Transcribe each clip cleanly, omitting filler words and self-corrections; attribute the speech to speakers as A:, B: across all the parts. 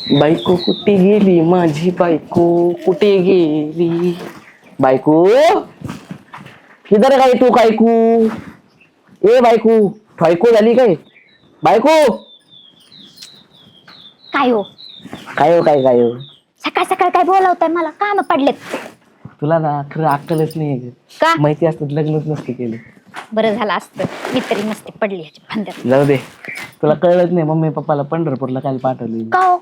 A: बायको कुठे गेली माझी बायको कुठे गेली बायको किधर काय तू कायकू ए बायको ठॉयको झाली काय बायको
B: काय हो
A: काय हो काय काय हो
B: सकाळ सकाळ काय बोलवताय मला काम पडलेत
A: तुला ना खरं अक्कलच नाही
B: का
A: माहिती असत लग्नच नसते केलं
B: बरं झालं असतं मी तरी नसते पडली ह्याच्या फंद्यात
A: जाऊ दे तुला कळलंच नाही मम्मी पप्पाला पंढरपूरला काय पाठवली
B: का हो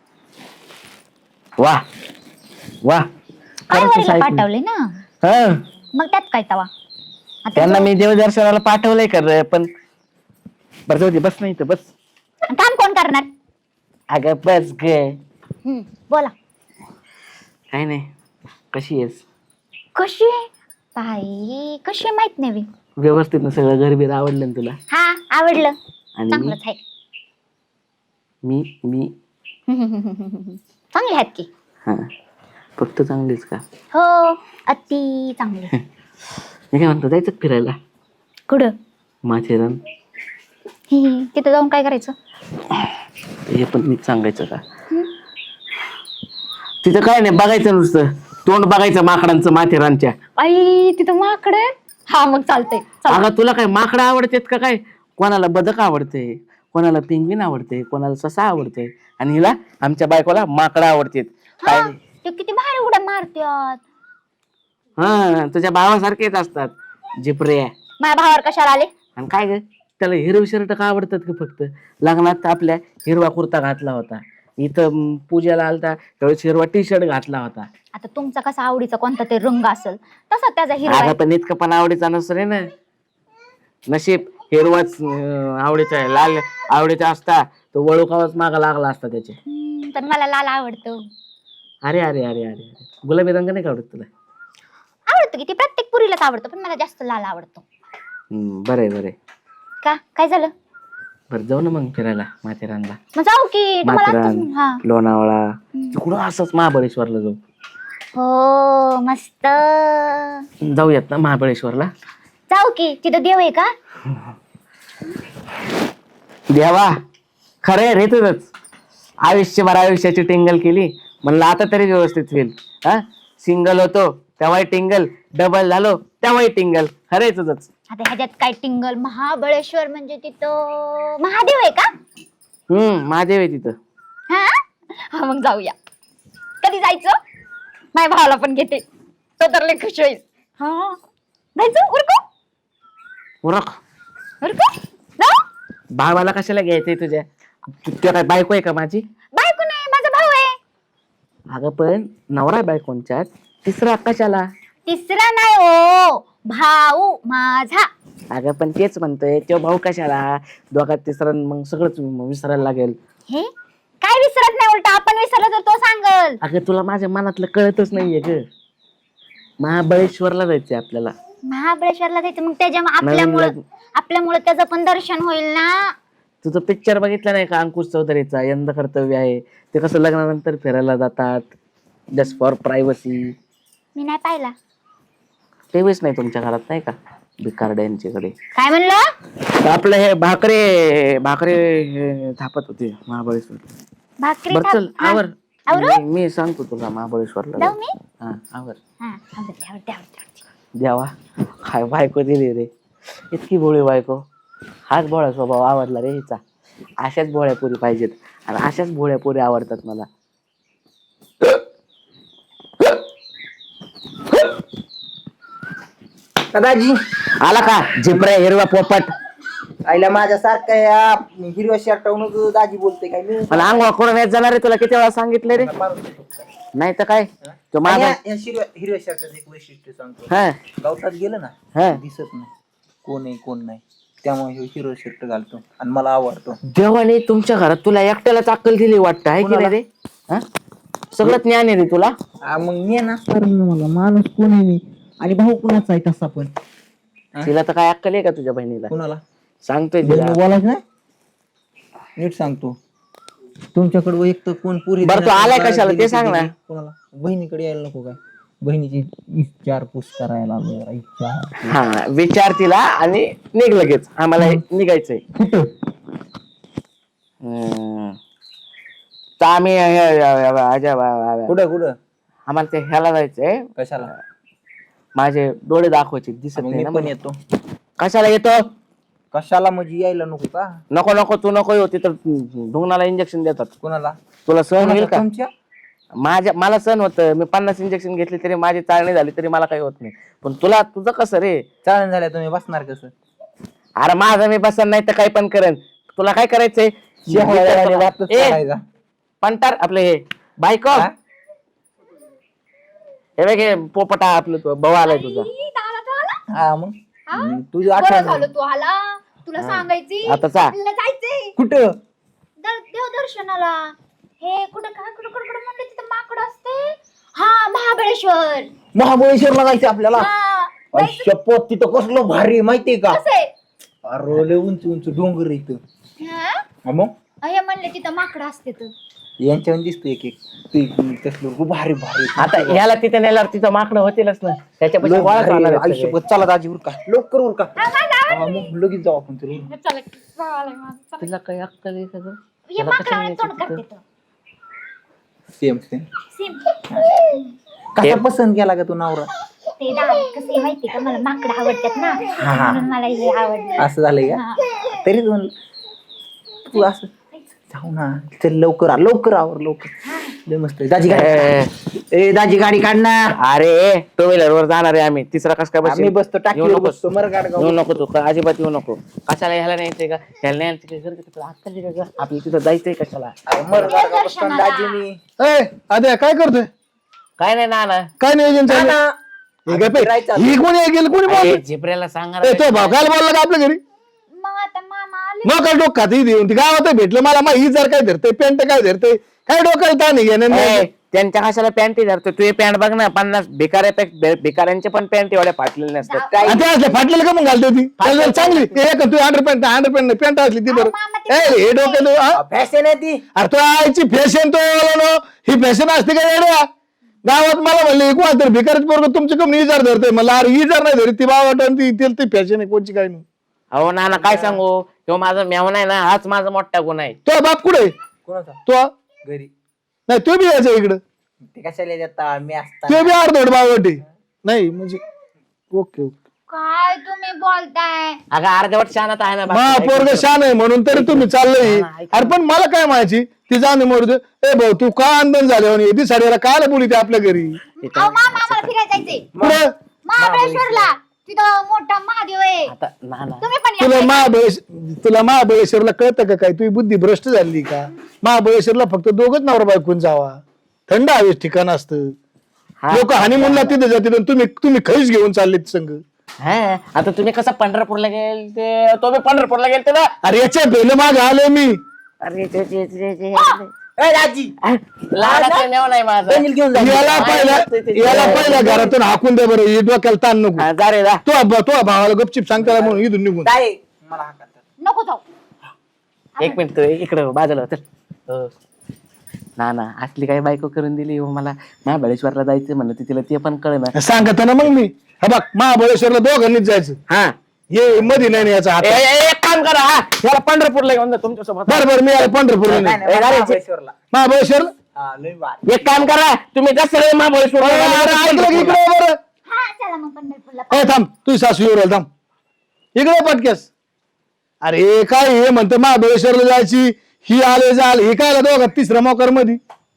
A: वा वा
B: आईवडीला पाठवले ना
A: हा
B: मग त्यात काय तवा आता
A: त्यांना मी देवदर्शनाला पाठवलंय कर पण बरं जाऊ दे बस नाही तर बस
B: काम कोण करणार
A: अगं बस ग
B: बोला
A: काय नाही कशी आहेस
B: कशी आहे बाई कशी आहे माहित नाही बी.
A: व्यवस्थित ना सगळं घरबीर आवडलं ना तुला
B: हा आवडलं
A: आणि
B: चांगलंच आहे
A: मी मी
B: चांगले आहेत की
A: हा फक्त चांगलीच का
B: हो अति चांगले
A: मी काय म्हणतो जायचं का फिरायला
B: कुठं
A: माथेरान
B: तिथं जाऊन काय करायचं
A: हे पण मी सांगायचं का तिथं काय नाही बघायचं नुसतं तोंड बघायचं माकडांचं माथेरानच्या
B: आई तिथं माकड हा मग चालतंय
A: अगं तुला काय माकडं आवडतेत का काय कोणाला बदक आवडते कोणाला पेंग्विन आवडते कोणाला ससा आवडते आणि हिला आमच्या बायकोला माकडं आवडतेत काय
B: ते किती भारी उड्या मारत्यात
A: हा तुझ्या भावासारखेच असतात जिपरे
B: माझ्या भावावर कशाला आले
A: आणि काय ग त्याला हिरवे शर्ट का आवडतात का फक्त लग्नात आपल्या हिरवा कुर्ता घातला होता इथं पूजेला आलता त्यावेळेस हिरवा टी शर्ट घातला होता
B: आता तुमचा कसा आवडीचा कोणता तरी रंग असेल तसा त्याचा हिरवा
A: अगं पण इतकं पण आवडीचा नसतो रे ना नशीब हिरवाच आवडीचा आहे लाल आवडीचा असता तो वळूकावाच मागा लागला असता त्याचे
B: तर मला लाल आवडतो
A: अरे अरे अरे अरे अरे गुलाबी रंग नाही का आवडत तुला
B: आवडतो की ती प्रत्येक पुरीलाच आवडतो पण मला जास्त लाल आवडतो
A: बरं बरं
B: का काय झालं
A: बरं जाऊ ना मग फिरायला माथेरानला
B: मग जाऊ की तुम्हाला
A: माथेरान
B: हा
A: लोणावळा तिकडून असंच महाबळेश्वरला जाऊ
B: हो मस्त
A: जाऊयात ना महाबळेश्वरला
B: जाऊ की तिथं देव आहे का
A: देवा खरंय रे तुझंच आयुष्यभर आयुष्याची टिंगल केली म्हणलं आता तरी व्यवस्थित होईल हा सिंगल होतो तेव्हाही टिंगल डबल झालो तेव्हाही टिंगल खरंय तुझंच
B: आता ह्याच्यात काय टिंगल महाबळेश्वर म्हणजे तिथं महादेव आहे का
A: महादेव आहे तिथं
B: हा हा मग जाऊया कधी जायचं माझ्या भावाला पण घेते तो तर लय खुश होईल हा जायचं उरकू
A: उरक
B: उरकू जाऊ
A: भावाला कशाला घ्यायचंय तुझ्या तुझ्या काय बायको आहे का माझी
B: बायको नाही माझा भाऊ आहे
A: अगं पण नवरा बायकोंच्यात तिसरा कशाला
B: तिसरा नाही हो भाऊ माझा
A: अगं पण तेच म्हणतोय तो भाऊ कशाला दोघात तिसरा मग सगळंच विसरायला लागेल
B: हे काय विसरत नाही उलट आपण विसरलं तर तो सांगल
A: अगं तुला माझ्या मनातलं कळतच नाहीये ग महाबळेश्वरला जायचंय आपल्याला
B: महाबळेश्वरला जायचं मग त्याच्या
A: नवीन
B: आपल्यामुळे त्याचं पण दर्शन होईल ना
A: तुझं पिक्चर बघितला नाही का अंकुश चौधरीचा यंदा कर्तव्य आहे ते कसं लग्नानंतर फिरायला जातात जस्ट फॉर प्रायव्हसी
B: मी नाही पाहिला
A: टीव्हीच नाही तुमच्या घरात नाही का भिकारड्यांच्याकडे
B: काय म्हणलं
A: आपलं हे भाकरे भाकरे हे थापत होते महाबळेश्वर
B: भाकरी
A: बरं चल
B: हा.
A: आवर
B: आवरू?
A: मी सांगतो तुला महाबळेश्वरला
B: जाऊ मी
A: हा आवर
B: हा आवडते आवडते आवडते
A: द्यावा काय बायको दिली रे इतकी भोळी बायको हाच भोळा स्वभाव आवडला रे हिचा अशाच भोळ्या पोरी पाहिजेत आणि अशाच भोळ्या पोरी आवडतात मला
C: दादाजी
A: आला का झिपऱ्या हिरवा पोपट
C: आईला माझ्या सारखं या हिरव्या शर्टावरून दाजी बोलते काय मी
A: मला अंघोळ करून येत जाणार रे तुला किती वेळा सांगितलं रे नाही तर काय तो माझा
C: हिरव्या शर्टाचं एक वैशिष्ट्य सांगतो
A: हा
C: गावठात गेलं ना
A: हा
C: दिसत नाही कोण आहे कोण नाही त्यामुळे हे हिरवा शर्ट घालतो आणि मला आवडतो
A: देवाने तुमच्या घरात तुला एकट्यालाच अक्कल दिली वाटतं आहे की नाही रे हा सगळं ज्ञान आहे रे तुला
C: मग मी ना मला माणूस कोण आहे मी आणि भाऊ कुणाचा आहे तसा पण
A: तिला तर काय अक्कल आहे का तुझ्या बहिणीला
C: कुणाला
A: सांगतोय तिला
C: बोलायच ना नीट सांगतो तुमच्याकडे एक तर कोण पुरी
A: बरं, तू आलाय कशाला ते सांग ना.
C: कोणाला बहिणीकडे यायला नको काय बहिणीची विचारपूस करायला
A: हा विचार तिला आणि निघ लगेच आम्हाला निघायचंय
C: कुठं
A: तर आम्ही
C: कुठं कुठं
A: आम्हाला ते ह्याला जायचंय.
C: कशाला
A: माझे डोळे दाखवायचे दिसत
C: मग
A: नाही
C: मी
A: ना
C: पण
A: मला.
C: येतो.
A: कशाला येतो?
C: कशाला म्हणजे यायला नको का?
A: नको नको तू नको येऊ, तिथं ढुंगणाला इंजेक्शन देतात.
C: कोणाला?
A: तुला सहन होईल का?
C: तुमच्या
A: मला सहन होतं. मी 50 इंजेक्शन घेतले तरी माझी चाळणी झाली तरी मला काही होत नाही. पण तुला तुझं कसं रे?
C: चालन झाल्या तुम्ही बसणार कसं?
A: अरे माझं मी बसन नाही तर काही पण करेन. तुला काय करायचंय? ए, पंटार आपलं हे बायको,
C: हा?
A: हे बघ हे पोपटा आपलं भाऊ आलाय तुझा.
B: ई, दादा तो आला?
C: हा मग
B: हा?
C: तुझी
B: बरं
C: आठवण
B: झालं तू आला. तुला सांगायची
A: आता चा.
B: आपल्याला जायचंय
C: कुठं?
B: देवदर्शनाला. हे कुठं काय कुठं कुठं कुठं म्हणते तिथं माकड असते. हा महाबळेश्वर.
C: महाबळेश्वरला जायचं आपल्याला.
B: हा,
C: अरे शपथ तिथं कसलं भारी माहितीये का?
B: कसं आहे?
C: अरे लय उंच उंच डोंगर आहे इथं.
B: हा?
C: हा मग
B: हे म्हणले तिथं माकड असते तर.
C: यांच्यावर दिसतो एक एक ते तसलं खूप भारी भारी.
A: आता ह्याला तिथे नेल्यावर तिथं माकडं होतीलच ना. त्याच्यापाशी
C: लय
A: गोळाच
C: भारी
A: होणार
C: आहे.
A: आहेत
C: आई
A: सगळे.
C: शपथ चला दाजी उरका लवकर उरका.
B: हा, माझा
C: हा, मग लगेच जाऊ आपण तिला.
B: चला, चालेल माझं, चला.
A: तुला काही अक्कल आहे का गं?
B: हे
A: त्याला कशाला
B: माकडाने तोंड
A: न्यायचं
B: करते
A: तिथं?
B: तर.
C: Same same.
B: सेम.
C: कसा पसंत केला का तू नवरा?
B: ते दादा कसं माहिती का, मला माकड आवडतात ना, म्हणून मला हे आवडलं.
C: असं झालंय का?
B: हा.
C: तरीच म्हणलं तू असं जाऊ ना. चल लवकर लवकर आवर लवकर. लय मस्त आहे. दाजी गाडी ए दाजी गाडी काढ ना.
A: अरे टू व्हीलर वर जाणार आहे आम्ही. तिसरा कस काय
C: आम्ही
A: बस
C: बसतो टाकीवर बसतो मर
A: येऊ नको तू अजिबात येऊ नको. कशाला ह्याला न्यायचंय का? ह्याला न्यायचं का? घर तुला अक्कल आहे का गं? आपल्याला तिथं जायचंय कशाला?
C: मर गाडगाव बसतो ना दाजी मी.
D: ए अद्या काय करतोय?
A: काय नाही ना
D: काय नियोजन चालू आहे? हे काय पे?
C: फिरायचं.
D: ही कोणी गेलं कोणी बोल?
A: झिपऱ्याला सांगा
D: ए तो भाऊ काय बोलला का आपल्या घरी?
B: मग आता मामा आले.
D: मग काय डोक खात देऊन ती गावात भेटलं मला मग ही जर काय धरते पॅन्ट काय धरते काय डोक्याला ताण आहे घेणं नाही.
A: त्यांच्या कशाला पॅन्टी धरतो तू? पॅन्ट बघ ना 50 भिकाऱ्यांचे पण पॅन्ट एवढ्या फाटलेले नसतात.
D: आणि ते असले फाटलेलं का मग घालते ती त्याला चांगली एक तू अंडरपॅन्ट नाही पॅन्ट असली ती बरं.
B: मामा
D: ए हे डोक्याला
C: फॅशन आहे ती.
D: अरे तो आईची फॅशन तो ही फॅशन असते का येड्या? गावात मला म्हणले कोण तर भिकारच पोरग तुमच्या कमी इजार धरते मला. अरे इजार नाही धरत ती बावट आणि ती फॅशन आहे कोणची काय नाही.
A: अहो नाना काय सांगू, किंवा माझा मेवना आहे ना, हाच माझा मोठा गुण आहे.
D: तो बाप कुठे?
C: कोणाचा?
D: तो
C: घरी.
D: नाही तो बी यायचा इकडं.
C: ते कशाला देता मी असता.
D: तो बी अर्धवट बावट आहे. नाही म्हणजे ओके ओके.
B: काय तुम्ही बोलताय?
A: अगं अर्धवट शानत आहे ना.
D: मा पोरग शान आहे म्हणून तरी तुम्ही चाललंय. अरे पण मला काय माहिती ती जाणे मोड ए भाऊ तू का आंदोलन झाले म्हणे ती साडीला कायला बोली ते आपल्या घरी
B: अहो मामा आम्हाला फिरायला जायचंय
D: कुठं?
B: महाबळेश्वरला. तिथं मोठा महादेव आहे.
A: आता नाना
B: तुम्ही पण या.
D: तुला महाबळेश्वरला कळतं का काय? तुझी बुद्धी भ्रष्ट झाली का? महाबळेश्वरला फक्त दोघच नवरा बायकून जावा. थंड हवेच ठिकाण असतं. लोक हनीमूनला तिथे जातील तुम्ही खैस घेऊन चाललेत संघ.
A: हा आता तुम्ही कसं पंढरपूरला गेलते? तो मी पंढरपूरला गेलते ना.
D: अरे याच्या पहिलं माग आलोय मी.
A: अरे
C: ए दाजी
A: लहानाचा मेव नाही माझा.
C: बनील घेऊन जा.
D: याला पहिल्या घरातून हाकून दे बरं. हे डोक्याला ताण नको.
A: हा, जा रे जा.
D: तो भावाला गपचिप सांगता म्हणून इथून निघून
C: काय मला हाका.
B: नको जाऊ.
A: एक मिनिट इकडे बाजूला चल. नाना असली काही बायको करून दिली हो मला. महाबळेश्वरला जायचं म्हणलं तिला ते पण कळना.
D: सांगत ना मग मी. हा बघ महाबळेश्वरला दोघांनीच जायचं.
A: हा
D: ये मध्ये नाही याचा हात.
A: एक काम करा, हा याला पंढरपूरला घेऊन जा तुमच्यासोबत.
D: बरं मी याला पंढरपूरला
C: नाही,
D: नाही.
C: नाही, महाबळेश्वरला.
D: महाबळेश्वरला
C: हा, लय भारी.
A: एक काम करा तुम्ही जसं महाबळेश्वर
D: अरे ऐकलं की इकडे बरं.
B: हा चला मग पंढरपूरला.
D: ए थांब तुझी सासू येऊ राहिली, थांब इकडे पटकेस. अरे काय हे म्हणतं महाबळेश्वरला जायची ही आले जाल हे काय दोघा तिसऱ्या मोकर मध्ये.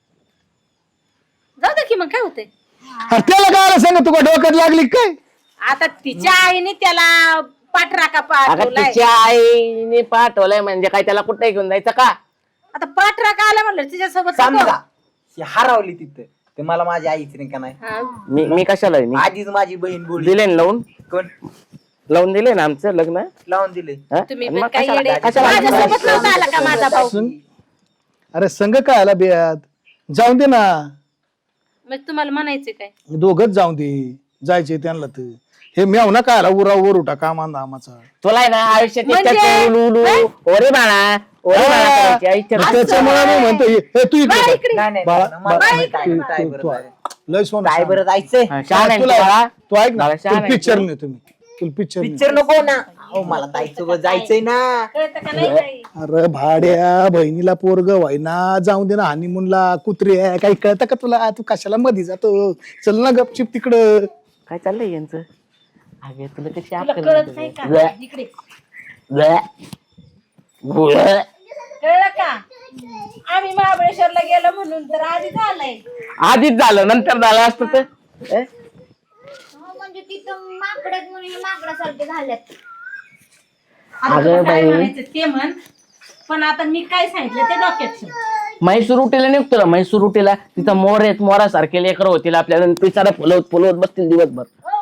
E: जाऊ दे की मग काय होते.
D: अरे त्याला काय सांग तुका डोक्यात लागली काय?
E: आता तिच्या आईने त्याला पाठराखा
A: अगं
E: पाठवलाय.
A: तिच्या आईने पाठवलंय म्हणजे काय त्याला कुठे घेऊन जायचं का?
E: आता पाठराखा आला म्हणलं तिच्यासोबत
C: समजा ही हरवली तिथं ते मला माझी आईच नाही का नाही.
E: हा.
A: मी कशाला आहे? मी
C: आधीच माझी बहीण बोलली.
A: दिले ना लावून
C: कोण
A: दिले ना आमचं लग्न.
C: लावून दिले.
A: हा?
E: तुम्ही
A: मग
E: पण काय
A: कशाला-
E: येडे?
A: कशाला-
E: माझ्यासोबत नव्हता आला का माझा भाऊ?
D: अरे संघ काय आला बेयात जाऊन दे ना.
E: मग तुम्हाला म्हणायचं काय?
D: दोघच जाऊन दे जायचे त्यांना तर. हे मेव ना काय आला उरा वर उठा कामांदा आमाचा.
A: तुला आहे ना आयुष्यात
E: म्हणजे?
A: इतक्यात उलू उलू ओरे बाळा करायची इच्छा.
D: त्याच्यामुळे मी म्हणतो हे तू इकडे
E: बाळा
D: बघ.
E: इकडे.
C: नाही नाही
D: बाळा,
C: नाही, मला
D: बाळा,
C: नाही काय
D: तू-
C: काय
D: तू-
C: बरं
D: तू-
C: जायचं.
D: लय सोनं
C: काय बरं जायचंय.
A: हा, शहाणा आहे
D: तुला
A: तू बाळा.
D: तू ऐक ना
A: बाळा, शहाणा आहे
D: पिक्चर
A: तू.
D: नाही तुम्ही तुला पिक्चर
C: पिक्चर नको ना. अहो मला ताईसोबत जायचंय ना.
E: कळतं का नाही काही?
D: अरे भाड्या बहिणीला पोरग व्हायना जाऊन दे ना हनीमूनला. कुत्री आहे काही कळतं का तुला? तू कशाला मध्ये जातो? चल ना गपचिप तिकडं.
A: काय चाललंय यांचं? अगे तुला कशी
E: तुला
A: अक्कल
E: कळत
A: नाही
E: नाही
A: तुला?
E: का?
A: ब्लॅ,
E: इकडे
A: ब्लॅ, ब्लॅ.
E: कळलं का? आम्ही महाबळेश्वरला गेलो म्हणून तर आधी झालंय.
A: आधीच झालं नंतर झालं असतं तर
B: म्हणजे तिथं माकडात म्हणून माकडासारखे झाल्यात.
E: आता
A: अगं
E: तुला काय
A: बाई.
E: म्हणायचं ते म्हण, पण आता मी काय सांगितलं ते डोक्यात ठेव.
A: म्हैसूर उटीला निघतो ना म्हैसूर उटीला तिथं मोर आहेत मोरासारखे लेकर होतील आपल्याला पिसारा फुलवत फुलवत बसतील दिवसभर.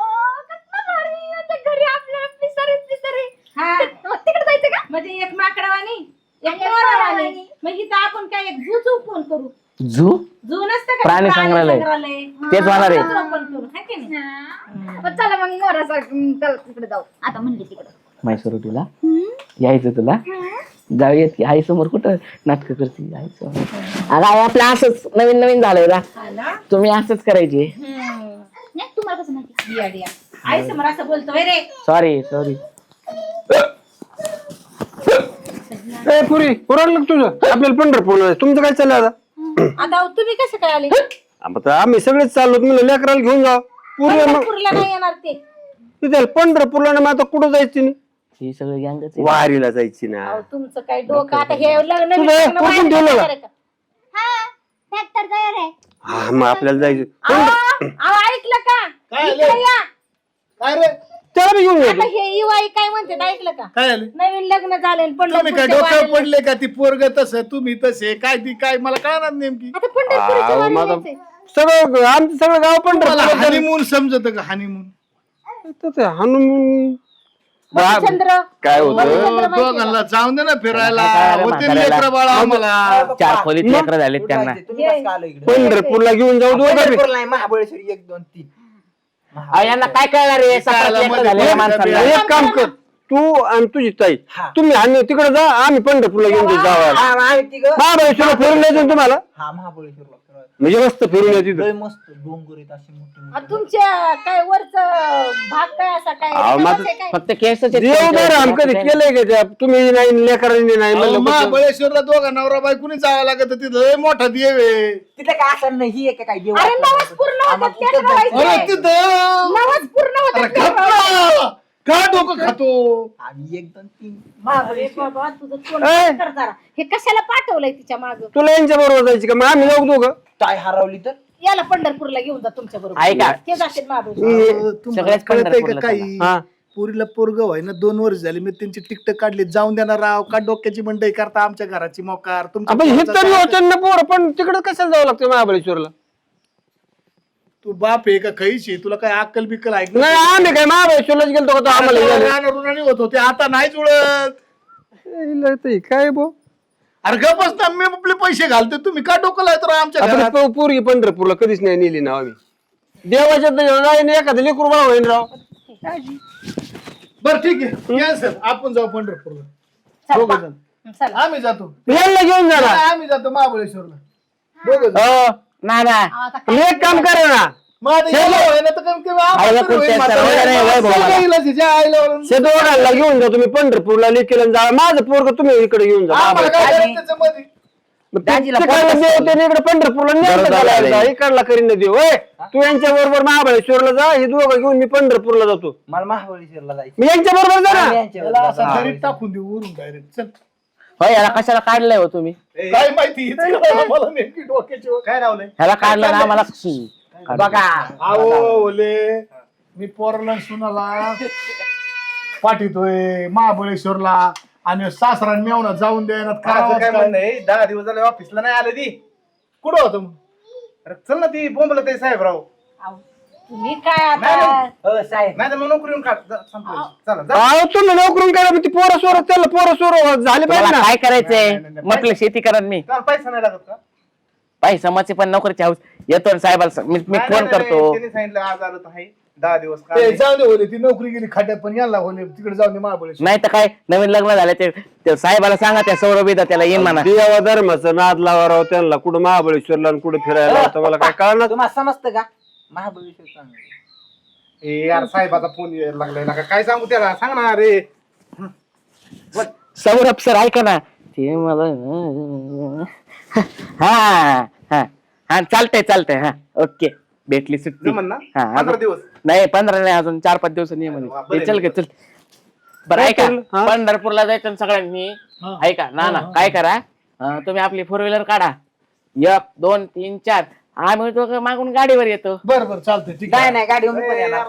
B: घरी आपल्या पिसारे
E: हा
B: तिकडे जायचं का?
E: म्हणजे एक माकडावानी एक मोरावानी. मग इथं आपण काय एक झू ओपन करू.
A: झू
E: झू नसतं का?
A: प्राणी संग्रहालय. तेच होणार आहे.
E: ओपन करू हाय की नाही?
B: पण चला मग मोरासारखं चल तिकडे जाऊ. आता म्हणली तिकडे
A: म्हैसूर उटीला यायचं तुला जाऊयात की आई समोर कुठं नाटक करते जायचं. अगं आई आपलं असंच नवीन नवीन झालंय ना
E: हा ना?
A: तुम्ही असंच करायचे.
B: नाही तुम्हाला कसं माहिती?
E: दिया दिया आई समोर असं बोलतोय रे.
A: Sorry sorry.
F: ए पुरी पुराण तुझं आपल्याला पंढरपूरला जायचं. तुमचं काय चाललं आता?
E: आता तुम्ही कसं काय आले?
F: आता आम्ही सगळेच चाललो. तुम्ही लेकराला घेऊन जा पूर्वी मग
E: पंढरपूरला नाही येणार ते.
F: तिथे पंढरपूरला ना मग आता कुठं जायची नाही?
A: ही सगळं गँगच
F: वारीला जायची ना.
E: अहो, तुमचं काय डोकं आता हे लग्न
F: तुझं
E: बिग्न
F: पोरगं
E: व्हायला
F: ठेवलं का?
E: तयार आहे का?
B: हा ट्रॅक्टर तयार आहे.
F: हा मग आपल्याला जायचं.
E: अहो, ऐकलं का?
D: काय
E: इकडे
D: आलं?
E: या.
D: काय रे
F: त्याला बी घेऊन
E: आता
F: जायचं.
E: हे युवाई काय म्हणते ऐकलं का?
D: काय आलं?
E: नवीन लग्न झालंय
D: तुम्ही काय
E: पंढरपूरच्या
D: डोक्यावर
E: वारीला.
D: पडले का? ती पोरग तसं तुम्ही तसे काय ती काय मला कळणार नेमकी.
E: आता पंढरपूरच्या
F: अहो,
E: वारीला
F: माझं
E: जायचंय.
F: सगळं आमचं सगळं गाव
D: मला
F: पंढरपूर.
D: हनीमून समजत का? हनीमून
F: हनुमान
E: मधुचंद्र
F: काय होतं?
E: मधुचंद्र माहितीये का?
D: दोघांना जाऊन दे ना फिरायला.
A: काय रे
D: होते
A: म्हाताऱ्याला?
D: लेकरं बाळा आम्हाला.
A: चार खोलीत लेकरं झालेत
C: कुठं
A: त्यांना.
C: जायचंय? तुम्ही कसं काय आलो इकडे?
F: पंढरपूरला घेऊन जाऊ दोघं बी.
C: पंढरपूरला नाही, महाबळेश्वर 1 2 3.
A: यांना काय कळणार आहे सतरा लेकरं झालेल्या माणसाला.
F: एक काम कर तू आणि तुझी ताई
C: हा.
F: तुम्ही आणि तिकडे जा आम्ही पंढरपूरला घेऊन जाऊ जावं.
C: हा, आम्ही तिघं.
F: महाबळेश्वरला फिरून यायचं तुम्हाला
C: हा महाबळेश्वरला फिरायला.
F: म्हणजे मस्त फिरून यायचं तिथं.
C: लय मस्त डोंगर आहेत असे मोठे
E: आ,
C: मोठे.
E: तुमच्या काय वरच भाग काय असा काय
F: अहो,
E: रिकामंच
F: माझं-
E: आहे काय?
A: फक्त केसच आहेत
F: देवदार
A: त्यांच्यावर.
F: आम कधी केलंय का त्या तुम्ही नाही लेकरांनी नाही
D: अहो,
F: म्हणलं कुठं?
D: महाबळेश्वरला दोघा नवरा बायकोनी जावं लागत तिथं लय मोठा देव आहे.
C: तिथं काय असं नाही ही आहे काय देव
E: अरे
C: असं.
E: नवस पूर्ण
C: आम्हाला
E: होतात
C: तिथंच
E: ते
C: जायचं.
E: ठरवायचंय.
D: अरे तिथं
E: नवस पूर्ण
D: अरे
E: होतात ते
D: खपला. का डोकं खातो?
C: आम्ही 1 2 3.
E: अरे बाबा तुझं तोंड
F: ए!
E: बंद कर जरा. हे कशाला पाठवलंय तिच्या माग?
F: तुला यांच्या बरोबर जायची का मग आम्ही जाऊ दोघं.
C: टाय हरवली तर
E: याला पंढरपूरला घेऊन जा तुमच्या बरोबर.
A: ऐका.
E: ते जातील महाबळेश्वर.
D: तुम्हाला
A: सगळ्याच
D: कळतंय का
A: पंढरपूरला
D: काही?
F: हा.
D: पुरीला पोरग व्हाय ना 2 वर्ष झाली मी त्यांची टिकट काढली. जाऊन देणार राव का? डोक्याची मंडई करता आमच्या घराची मोकार. तुमच्या
F: आपण हे
D: पोराचा
F: तरी
D: काय?
F: होतं ना पोर पण तिकडे कशाला जावं लागतं महाबळेश्वरला?
D: तू बाप आहे का खैशी? तुला काय अक्कल बिक्कल ऐकलं?
F: नाही आम्ही काय महाबळेश्वरलाच गेलतो का तो आम्हाला यायला?
D: रानारुणाने होत होते आता नाही जुळत.
F: हिला ते काय बो
D: अरे गपच ना मी आपले पैसे घालते तुम्ही का डोकं लावतो राव आमच्या
F: आपण
D: घरात?
F: पोरगी पंढरपूरला कधीच नाही नेली ना आम्ही. देवाच्या नाही एखादं लेकरू बाळा होईन राव.
D: बरं ठीक आहे कॅन्सल. आपण जाऊ पंढरपूरला
E: चल,
D: दोघं
E: पा.
D: जण.
E: चला.
D: आम्ही जातो.
F: यांना घेऊन जा ना.
D: आम्ही जातो महाबळेश्वरला दोघं जण.
A: हो ना ना
E: आता
F: मी एक काम करा ना
D: मग आता गेलो होय ना तर कमी कमी आपण
A: आईला
D: तरी होईल
A: कुठे
D: म्हातारं.
A: सर्व नाही होय भाऊ मला.
D: सगळं इलाज आहे. ज्या आईला वळून.
F: शेतवडाला घेऊन जा तुम्ही पंढरपूरला लेकीला जा. माझं पोरग तुम्ही इकडे घेऊन जा.
D: आम्हाला काय करायचं त्याच्यामध्ये?
F: मग ते-
A: दाजीला
F: ते
A: पोरगं
F: काय देव
A: असतं.
F: त्याने इकडे पंढरपूरला न्यायचं
A: बरोबर
F: घालायला.
A: झालंय.
F: इकडला करीन ना देव. होय तू यांच्या बरोबर महाबळेश्वरला जा. हे दोघं घेऊन मी पंढरपूरला जातो.
C: मला महाबळेश्वरला जायचं.
F: मी यांच्या बरोबर जा
C: आम्ही
F: ना.
C: यांच्यावर
D: त्याला असं
C: जातो.
D: घरी टाकून देऊ वरून डायरेक्ट. चल
A: हो याला कशाला काढलंय हो तुम्ही?
D: काय माहिती हिचं कळलं मला नेमकी डोक्याची वर. काय रावलंय?
A: ह्याला काढलं ना आम्हाला
C: बघा
D: आओ ओले मी पोराला सुनाला पाठवतोय महाबळेश्वरला आणि सासरा मेवना जाऊन द्यायला
G: माझं काय म्हणणं आहे 10 दिवस झाले ऑफिसला नाही आले ती.
D: कुठं होतं मग?
G: अरे चल ना ती बोंबला ते साहेबराव.
E: अहो, तुम्ही काय आता
G: नाही,
C: हो साहेब
G: नाही तर मग नोकरी काढ जा, संपलं. चला जा.
F: अहो तुम्ही नोकरून करा. पण ती पोरं सोर त्याला पोरं सोर झाले पाहिजे
A: तुम्हाला
F: ना.
A: काय करायचंय?
G: नाही, नाही, नाही.
A: म्हटलं शेती करा मी
G: त्याला पैसा नाही लागत का?
A: पैशाची पण नोकरीची हाऊस येतो ना साहेबाला मी
G: नाही,
A: फोन
G: नाही,
A: करतो.
G: नाही, त्यांनी सांगितलं आज आलं तर आहे 10 दिवस
D: ते
G: काढले.
D: जाऊ दे ओले ती नोकरी गेली खाट्यात पण यायला ओले तिकडे जाऊन दे महाबळेश्वर.
A: नाही तर काय नवीन लग्न झालं ते साहेबाला सांगा त्या सौरभीदा त्याला येईन म्हणा.
F: देवा धर्माचं नाद लावा राव त्यांना. कुठं महाबळेश्वरला आणि कुठं फिरायला लावतं मला काय कळणार.
C: तुम्हाला समजतं का महाबळेश्वर चांगलं.
G: ए यार साहेबाचा फोन यायला लागलाय ना काय सांगू त्याला सांग ना रे.
A: सौरभ सर ऐका ना ते मला हा हा हा चालतंय हा ओके भेटली सुट्टी
G: जमन ना
A: हा
G: 15 दिवस
A: नाही 15 नाही अजून 4-5 दिवसांनी ये म्हणे
G: बरं
A: ते चल गे चल बरं ऐका पंढरपूरला जायचं ना सगळ्यांनी ऐका ना ना काय करा तुम्ही आपली 4 व्हीलर काढा 1 2 3 4 आम्ही तो मागून गाडीवर येतो
D: बरं बरं चालतंय ठीक
C: नाही
D: आहे
C: नाही गाडी पण येणार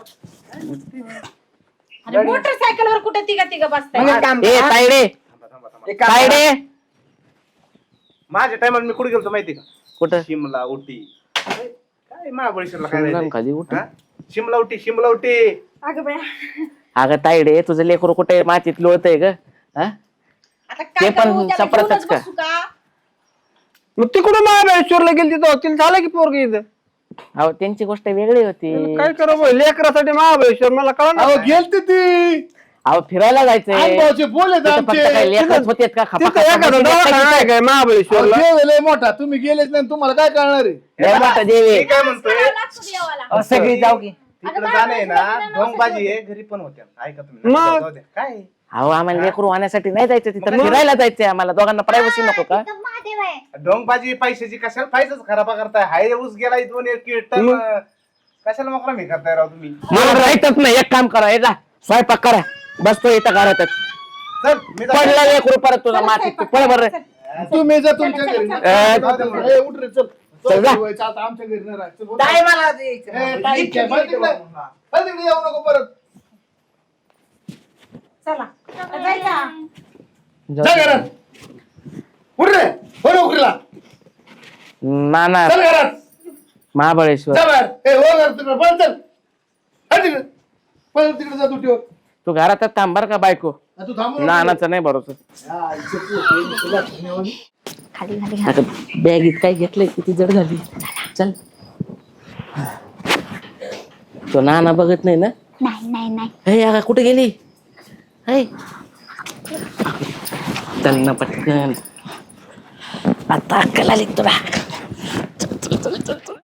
E: आणि मोटरसायकल वर कुठे तिघा तिघा बसताय
C: मग एक काम
A: ए
C: करा.
A: तायडे
C: एक काम करा.
A: तायडे
G: माझ्या टायमाला मी कुठे गेलो माहिती का
A: कुठं
G: शिमला उटी काय महाबळेश्वरला काय
A: शिमला
G: राहते?
A: खाली उटी?
G: हा? शिमला उटी
E: अगं बाया
A: अगं तायडे तुझं लेकरू कुठे मातीत लोळतंय ग हा
E: आता
A: ते
E: काय
A: पण
E: करू त्याला
A: सफरचंद
E: घेऊनच
A: का?
E: बसू का
F: मग तिकडून महाबळेश्वरला गेली तिथं तिला झालं की पोरगी इथं
A: अहो त्यांची गोष्ट वेगळी होती
F: काय करा लेकरासाठी महाबळेश्वर मला कळलं
D: अहो गेलती ती
A: अहो फिरायला जायचंय
D: अनुभवाचे बोले
A: तिथं फक्त
D: आमचे
A: काय लेकरच होतेत का खपा
F: तिथं
A: खपा
F: एखादा
A: मशीन
F: दवाखाना
A: एकट्याची
F: आहे काय
D: अहो,
F: महाबळेश्वरला
D: देव लय मोठा तुम्ही गेलेच नाही तुम्हाला काय कळणार आहे
A: लय मोठा देव आहे.
G: मी काय म्हणतोय
E: लागतो देवाला
C: अहो, सगळी जाऊ की
G: तिकडे जाणे ना ढोंगबाजी आहे घरी पण होत्या ऐका तुम्ही
F: मग?
G: जाऊ द्या. काय
A: अहो आम्हाला लेकरू आणण्यासाठी नाही जायचं तिथं फिरायला जायचंय आम्हाला दोघांना प्रायव्हसी नको का
E: महादेव आहे
G: ढोंगबाजी पैशाची कशाला फायदाच खराब करताय हाय ऊस गेला 2 टन कशाला मोकळा मी करताय राव तुम्ही
A: मला राहायचंच नाही एक काम करा येता स्वयंपाक करा बसतो इथं घरातच
G: चल मी जातो.
A: पडला लेकरू परत तुझा मातीत तू पळ बरं
D: तुम्ही जा तुमच्या घरी
A: जाऊ
G: दे
D: ए, उठ रे चल
A: चल जा.
D: जेवायचं आता आमच्या घरी नाही राहायचं बोल.
C: काय मला द्यायचं?
D: ए, ठीक आहे, बरं तिकडे. बरं तिकडे येऊ नको परत
E: चला जायचा
D: जा घरात उठ रे हो नोकरीला
A: ना ना
D: चल घरात
A: महाबळेश्वर
D: जा बाहेर ए हो घर तिकडे पळ चल हट तिकडे पळ तिकडे जा दुटीवर
A: तू घरातच थांब बरं का बायको
D: तू थांबू नको.
A: नानाचं नाही भरोसा
D: हा, इथे तू होईल, तुला धन्यवाद.
B: खाली खाली
A: आता बॅगीत काय घेतलंय किती जड झाली चल तो नाना बघत नाही ना
B: नाही नाही नाही
A: हे अगं कुठे गेली हे चल ना पटकन आता अक्कल आली तुला चल, चल, चल, चल, चल.